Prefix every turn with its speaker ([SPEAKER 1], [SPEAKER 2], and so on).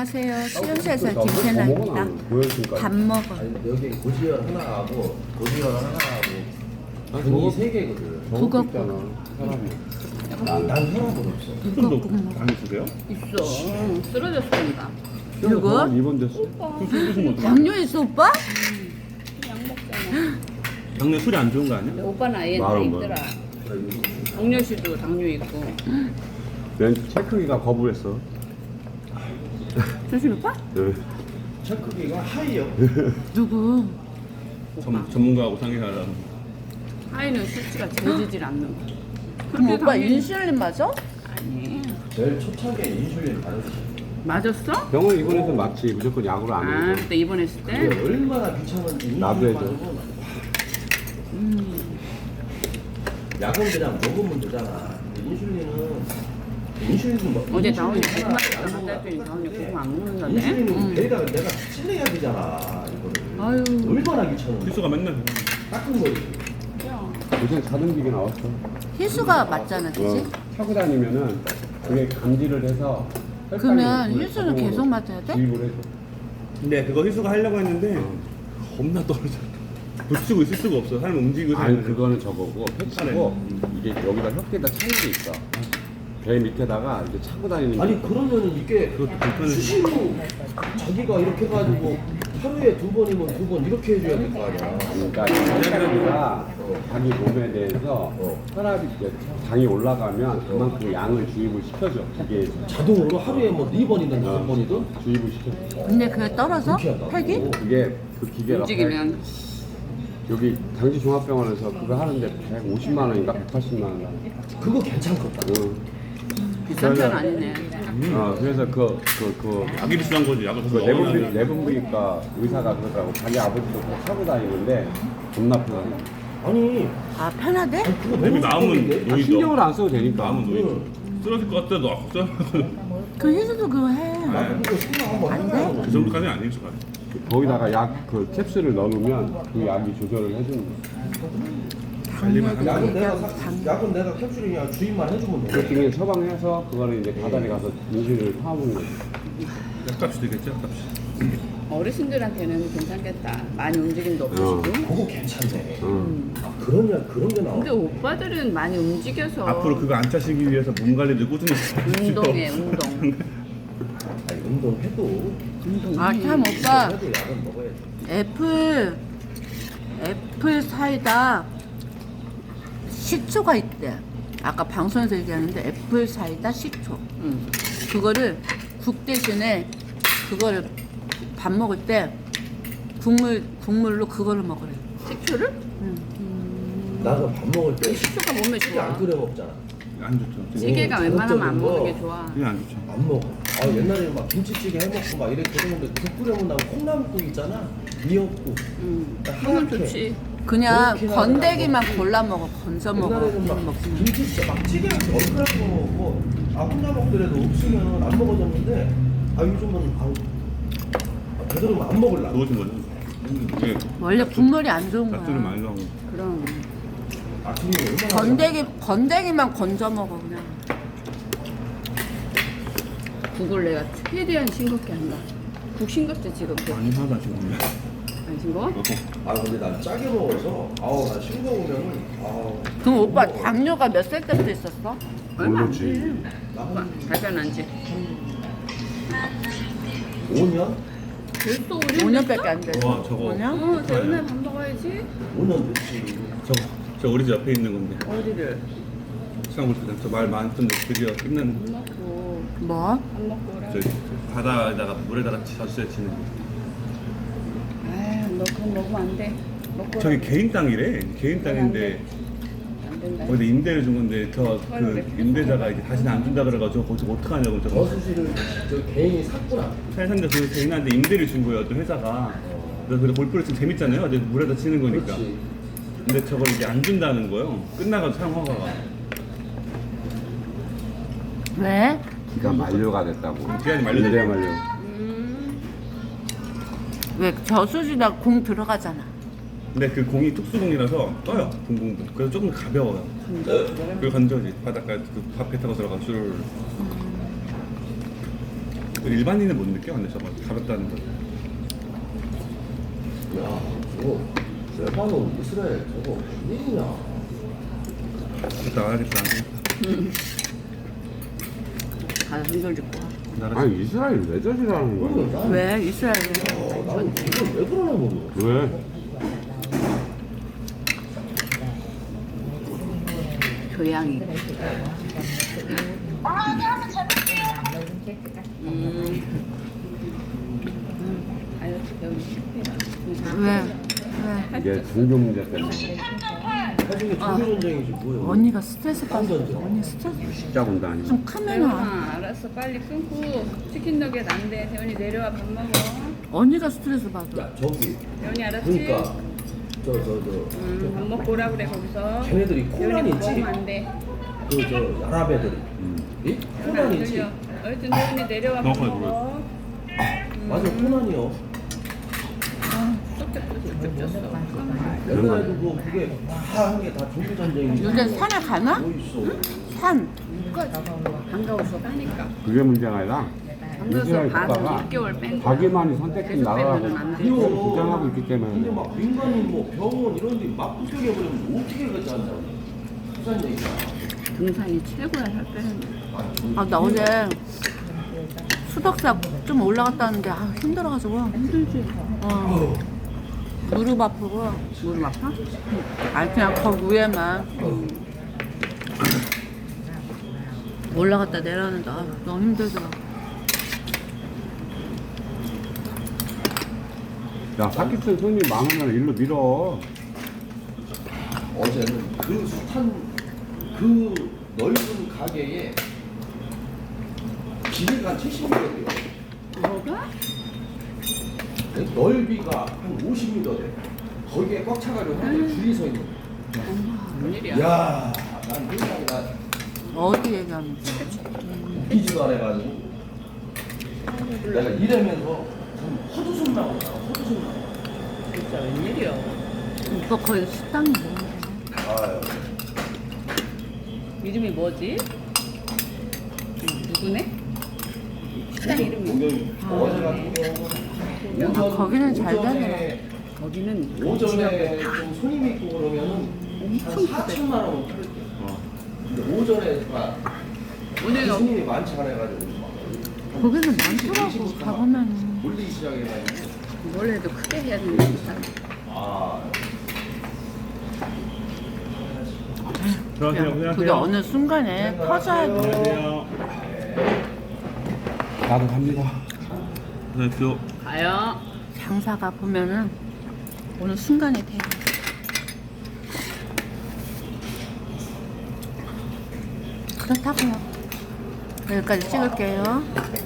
[SPEAKER 1] 안녕하세요. 수영사에서 김태나입니다. 밥 먹어.
[SPEAKER 2] 아니 여기 고지혈 하나하고 고지혈 하나하고 분이 세 개거든.
[SPEAKER 1] 그거
[SPEAKER 3] 사람이.
[SPEAKER 2] 난 혈압은 없어.
[SPEAKER 3] 술도 안 있으세요?
[SPEAKER 4] 있어. 쓰러졌으니까.
[SPEAKER 1] 누구?
[SPEAKER 3] 입원됐어. 술 드시면 어떡해?
[SPEAKER 1] 당뇨 있어 오빠?
[SPEAKER 4] 약 먹잖아.
[SPEAKER 3] 당뇨 술이 안 좋은 거 아니야?
[SPEAKER 4] 오빠는 아예 다
[SPEAKER 3] 말은
[SPEAKER 4] 있더라. 당뇨씨도 당뇨 있고.
[SPEAKER 3] 난 체크기가 거부했어.
[SPEAKER 1] 조심 오빠?
[SPEAKER 3] 네.
[SPEAKER 2] 체크기가 하이요.
[SPEAKER 1] 누구?
[SPEAKER 3] 전문가하고 상의하라.
[SPEAKER 4] 하이는 수치가 재지질 않는 거.
[SPEAKER 1] 그럼 오빠
[SPEAKER 4] 당뇨-
[SPEAKER 1] 인슐린 맞아?
[SPEAKER 4] 아니.
[SPEAKER 2] 제일 초창기에 인슐린 받았어.
[SPEAKER 4] 맞았어?
[SPEAKER 3] 병원 입원해서 맞지. 무조건 약으로 안
[SPEAKER 4] 아,
[SPEAKER 3] 해.
[SPEAKER 4] 그때 입원했을 때?
[SPEAKER 2] 그게 얼마나 귀찮은지 인슐린
[SPEAKER 3] 나도 해줘.
[SPEAKER 2] 받으면 약은 그냥 먹으면 되잖아. 인슐린은 뭐
[SPEAKER 4] 어제
[SPEAKER 2] 인슐린
[SPEAKER 4] 나온이
[SPEAKER 2] 하나
[SPEAKER 4] 정말
[SPEAKER 2] 안
[SPEAKER 4] 잘못
[SPEAKER 2] 먹어.
[SPEAKER 4] 했더니 나온이 그거 안 먹는다네.
[SPEAKER 2] 인슐린은 배에다가 내가 찔러야 되잖아 이거를.
[SPEAKER 1] 아유.
[SPEAKER 2] 얼마나 귀찮은데.
[SPEAKER 3] 필수가 맨날
[SPEAKER 2] 닦은 거지.
[SPEAKER 3] 요새 자동기계 나왔어.
[SPEAKER 1] 희수가 맞잖아, 그치?
[SPEAKER 3] 타고 다니면은 그게 감지를 해서
[SPEAKER 1] 그러면
[SPEAKER 3] 혈당을
[SPEAKER 1] 희수는
[SPEAKER 3] 자동으로
[SPEAKER 1] 계속 맞아야 돼?
[SPEAKER 3] 주입을 해줘. 근데 그거 희수가 하려고 했는데 겁나 떨어져. 붙이고 있을 수가 없어. 사람 움직이고
[SPEAKER 5] 아니
[SPEAKER 3] 있는데.
[SPEAKER 5] 그거는 저거고 패치고 이게 여기다 혀에다 차는 게 있어. 배 밑에다가 이제 차고 다니는
[SPEAKER 2] 아니 그러면은 이게
[SPEAKER 3] 그것도 불편해.
[SPEAKER 2] 수시로 자기가 이렇게 해가지고 하루에 2번이면 2번 이렇게 해줘야 될 거 아니야.
[SPEAKER 5] 그러니까 혈당이가 자기 몸에 대해서 혈압이 이제 당이 올라가면 그만큼 양을 주입을 시켜줘. 기계에서
[SPEAKER 2] 자동으로 하루에 뭐 4번이든 5번이든
[SPEAKER 5] 주입을 시켜줘.
[SPEAKER 1] 근데 그게 떨어져?
[SPEAKER 2] 그렇게 한다고.
[SPEAKER 1] 팩이?
[SPEAKER 5] 그게 그 기계가
[SPEAKER 4] 움직이면.
[SPEAKER 5] 여기 당지종합병원에서 그거 하는데 150만 원인가 180만 원.
[SPEAKER 2] 그거 괜찮겠다.
[SPEAKER 4] 비싼 편 아니네.
[SPEAKER 5] 그래서 그
[SPEAKER 3] 약이 비싼 거지. 약을
[SPEAKER 5] 그
[SPEAKER 3] 가서 먹어야 돼.
[SPEAKER 5] 내분비과 의사가 그러더라고. 자기 아버지도 그거 타고 다니는데 겁나 편하다.
[SPEAKER 2] 아니
[SPEAKER 1] 아, 편하대?
[SPEAKER 2] 그거
[SPEAKER 3] 내비
[SPEAKER 2] 너무
[SPEAKER 3] 나오면
[SPEAKER 2] 좋던데?
[SPEAKER 3] 노이죠.
[SPEAKER 5] 신경을 안 써도 되니까.
[SPEAKER 3] 나오면 노이죠. 쓰러질 것 같아. 너 아프잖아.
[SPEAKER 1] 그 희수도 그거 해.
[SPEAKER 2] 나도 그거 생각 한번 해봐요.
[SPEAKER 3] 그 정도까지는 아니지. 가
[SPEAKER 5] 거기다가 약 그 캡슐을 넣어놓으면 그 약이 조절을 해주는 거야.
[SPEAKER 3] 관리만 하면
[SPEAKER 2] 약은 약은 내가 캡슐이냐 주입만 해주면 돼.
[SPEAKER 5] 그중에 처방해서 그거를 이제 바다에 가서 인슐린을 파먹는 거지.
[SPEAKER 3] 약값이 되겠지. 약값이.
[SPEAKER 4] 어르신들한테는 괜찮겠다. 많이 움직임도 없으시고.
[SPEAKER 2] 그거 괜찮네.
[SPEAKER 5] 응.
[SPEAKER 2] 아, 그런 게 나와.
[SPEAKER 4] 근데 오빠들은 많이 움직여서
[SPEAKER 3] 앞으로 그거 안 차시기 위해서 몸 관리를 꾸준히 하십시오.
[SPEAKER 4] 운동해, 운동.
[SPEAKER 2] 아니 운동해도
[SPEAKER 1] 아, 참 오빠.
[SPEAKER 2] 해도 약은 먹어야지.
[SPEAKER 1] 애플 사이다 식초가 있대. 아까 방송에서 얘기하는데 애플 사이다 식초.
[SPEAKER 4] 응.
[SPEAKER 1] 그거를 국 대신에 그거를 밥 먹을 때 국물로 그거를 먹으래.
[SPEAKER 4] 식초를?
[SPEAKER 2] 나도 밥 먹을 때
[SPEAKER 4] 식초가 몸에
[SPEAKER 2] 찌개 안
[SPEAKER 4] 좋아.
[SPEAKER 2] 끓여 먹잖아.
[SPEAKER 3] 안 좋죠.
[SPEAKER 4] 찌개가 웬만하면 안 먹는 게 좋아.
[SPEAKER 3] 그게 안 좋죠.
[SPEAKER 2] 안 먹어. 아 옛날에 막 김치찌개 해먹고 막 이렇게 그러는데 국 끓여 먹는다고 콩나물국 있잖아. 미역국.
[SPEAKER 4] 응.
[SPEAKER 2] 하얗게.
[SPEAKER 4] 그건 좋지.
[SPEAKER 1] 그냥
[SPEAKER 2] 그렇게
[SPEAKER 1] 건더기만 골라 먹어. 건져 먹어.
[SPEAKER 2] 옛날에는 막
[SPEAKER 1] 먹으면.
[SPEAKER 2] 김치찌개 막 찌개같이 얼큰하게 먹고 아 혼자 먹더라도 없으면 안 먹어졌는데 아 요즘은 그대로 안 먹을라.
[SPEAKER 3] 좋으신 거죠. 이게
[SPEAKER 1] 원래 국물이 안 좋은
[SPEAKER 3] 약들을
[SPEAKER 1] 거야.
[SPEAKER 3] 많이 넣어.
[SPEAKER 4] 그럼.
[SPEAKER 2] 아침에 얼마나
[SPEAKER 1] 건더기만 건져 먹어 그냥.
[SPEAKER 4] 국을 내가 최대한 싱겁게 한다. 국 싱겁지 지금?
[SPEAKER 3] 많이 하다 지금.
[SPEAKER 4] 안 싱거워?
[SPEAKER 2] 아 근데 난 짜게 먹어서 아우 나 싱거우면은 아우
[SPEAKER 1] 그럼 오빠 당뇨가 몇 살 때부터 있었어?
[SPEAKER 4] 얼마 안
[SPEAKER 5] 모르지.
[SPEAKER 4] 돼.
[SPEAKER 2] 나
[SPEAKER 4] 발견한 지
[SPEAKER 2] 5년?
[SPEAKER 4] 벌써
[SPEAKER 1] 5년밖에 안 됐어.
[SPEAKER 3] 와 저거.
[SPEAKER 1] 5년?
[SPEAKER 4] 대훈아 밥 먹어야지.
[SPEAKER 2] 5년 됐지.
[SPEAKER 3] 저 우리 집 옆에 있는 건데.
[SPEAKER 4] 어디를?
[SPEAKER 3] 수산물시장 저말 많던데 드디어 끝난.
[SPEAKER 4] 밥 먹고
[SPEAKER 1] 뭐?
[SPEAKER 4] 밥 먹고 오라.
[SPEAKER 3] 저 바다에다가 물에다가 젖을 치는 거.
[SPEAKER 4] 아유 너 그거 먹으면 안 돼. 먹고
[SPEAKER 3] 저기
[SPEAKER 4] 오라고.
[SPEAKER 3] 개인 땅이래. 개인 땅인데
[SPEAKER 4] 안 된다.
[SPEAKER 3] 거기다 임대를 준 건데 저 그 임대자가 이제 다시는 안 준다 그래가지고 거기서 어떡하냐고 저거.
[SPEAKER 2] 저수지를 저 개인이 샀구나.
[SPEAKER 3] 살산데 그 개인한테 임대를 준 거예요. 또 회사가. 그래서 골프를 치면 재밌잖아요. 어제 물에다 치는 거니까.
[SPEAKER 2] 그렇지.
[SPEAKER 3] 근데 저걸 이제 안 준다는 거예요. 끝나가지고 사용 허가가.
[SPEAKER 1] 왜?
[SPEAKER 5] 기가 만료가 됐다고.
[SPEAKER 3] 기간이 만료됐다고.
[SPEAKER 5] 임대 만료.
[SPEAKER 1] 왜 저수지다 공 들어가잖아.
[SPEAKER 3] 근데 그 공이 특수공이라서 떠요. 공공도. 그래서 조금 가벼워요. 그걸 건져지 바닷가 그 밥 배 타고 들어가 줄. 일반인은 못 느껴. 근데 저거 가볍다는 거.
[SPEAKER 2] 야, 저거 레바논 이스라엘 저거 웬일이냐?
[SPEAKER 3] 나가겠다.
[SPEAKER 4] 가서 손절 짚고 와.
[SPEAKER 3] 나라
[SPEAKER 5] 아니 이스라엘 왜 저지라는 거야?
[SPEAKER 1] 왜 이스라엘에?
[SPEAKER 2] 나는 이걸 왜 그러나 모르겠어.
[SPEAKER 5] 왜?
[SPEAKER 1] 교양이.
[SPEAKER 4] 다이어트 배우기 실패야.
[SPEAKER 1] 왜?
[SPEAKER 5] 이게 종교 문제 때문에
[SPEAKER 2] 나중에 종교전쟁이지 뭐야.
[SPEAKER 1] 언니가 스트레스 받아.
[SPEAKER 2] 딴
[SPEAKER 1] 언니 스트레스
[SPEAKER 5] 십자 군단이.
[SPEAKER 1] 좀 크면은
[SPEAKER 4] 세훈아 알았어 빨리 끊고 치킨 너겟 안돼 세훈이 내려와 밥 먹어.
[SPEAKER 1] 언니가 스트레스 받아.
[SPEAKER 2] 야, 저기
[SPEAKER 4] 세훈이 알았지?
[SPEAKER 2] 그러니까
[SPEAKER 4] 밥 먹고 오라 그래 거기서.
[SPEAKER 2] 걔네들이
[SPEAKER 4] 세훈이
[SPEAKER 2] 코난
[SPEAKER 4] 밥
[SPEAKER 2] 있지?
[SPEAKER 4] 먹으면 안 돼.
[SPEAKER 2] 저 아랍 애들이 이?
[SPEAKER 4] 세훈아
[SPEAKER 2] 코난
[SPEAKER 4] 안
[SPEAKER 2] 있지?
[SPEAKER 4] 들려. 어쨌든 세훈이 내려와 밥
[SPEAKER 3] 너무
[SPEAKER 4] 먹어.
[SPEAKER 2] 맞아, 코난이요.
[SPEAKER 4] 쪽쪽 줬어.
[SPEAKER 2] 옛날에도 뭐 그게 다 한 게 다 종교전쟁이지.
[SPEAKER 1] 요새 산에 가나?
[SPEAKER 2] 뭐 있어.
[SPEAKER 1] 산.
[SPEAKER 4] 반가워서 가니까.
[SPEAKER 5] 그게 문제가 아니라
[SPEAKER 4] 반가워서
[SPEAKER 5] 이스라엘
[SPEAKER 4] 반
[SPEAKER 5] 국가가
[SPEAKER 4] 6개월 뺀 거야.
[SPEAKER 5] 자기만이 선택된
[SPEAKER 4] 계속 빼면은
[SPEAKER 5] 나라라고
[SPEAKER 4] 안 돼.
[SPEAKER 5] 주장하고 있기
[SPEAKER 2] 근데
[SPEAKER 5] 때문에
[SPEAKER 2] 막 민간인 뭐 병원 이런 데 막 부족해버리면 어떻게 그러지 않냐고. 무슨 얘기야.
[SPEAKER 4] 등산이 최고야 살 빼는데.
[SPEAKER 1] 아, 나 어제 수덕사 좀 올라갔다 왔는데 아, 힘들어가지고.
[SPEAKER 4] 힘들지.
[SPEAKER 1] 무릎 아프고.
[SPEAKER 4] 무릎 아파?
[SPEAKER 1] 아니 그냥 거기 위에만 올라갔다 내려오는데 아, 너무 힘들더라.
[SPEAKER 5] 야 사기친 손님 많으면 일로 밀어.
[SPEAKER 2] 어제는 그 숱한 그 넓은 가게에 길이가 한 70m래요.
[SPEAKER 4] 뭐가?
[SPEAKER 2] 넓이가 한 50m 돼. 거기에 꽉 차가지고 사람들이 줄이 서 있는 거야.
[SPEAKER 4] 웬일이야?
[SPEAKER 2] 야, 난 굉장히 나
[SPEAKER 1] 어디 얘기하는지.
[SPEAKER 2] 웃기지도 않아가지고 내가 이러면서 좀 헛웃음 나오잖아. 헛웃음 나와.
[SPEAKER 4] 진짜 웬일이야?
[SPEAKER 1] 오빠 거기 식당이 뭐야?
[SPEAKER 2] 아유.
[SPEAKER 4] 이름이 뭐지? 누구네? 식당 이름이
[SPEAKER 2] 어제 같은 경우는
[SPEAKER 1] 아, 거기는 잘
[SPEAKER 4] 거기는
[SPEAKER 2] 오전에 좀 손님이 있고 그러면은 한 4천만 원 팔을게. 근데 오전에 막
[SPEAKER 4] 오늘
[SPEAKER 2] 손님이 많지 않아가지고 막
[SPEAKER 1] 거기는 많더라고 가보면.
[SPEAKER 2] 몰리기 시작해가지고.
[SPEAKER 4] 원래도 크게 해야 되는데
[SPEAKER 2] 아.
[SPEAKER 3] 들어가세요.
[SPEAKER 1] 그게
[SPEAKER 3] 안녕하세요.
[SPEAKER 1] 어느 순간에 커져야 돼.
[SPEAKER 3] 안녕하세요.
[SPEAKER 5] 나도 갑니다.
[SPEAKER 3] 안녕하세요.
[SPEAKER 4] 가요.
[SPEAKER 1] 장사가 보면은 어느 순간에 돼. 그렇다고요. 여기까지 찍을게요.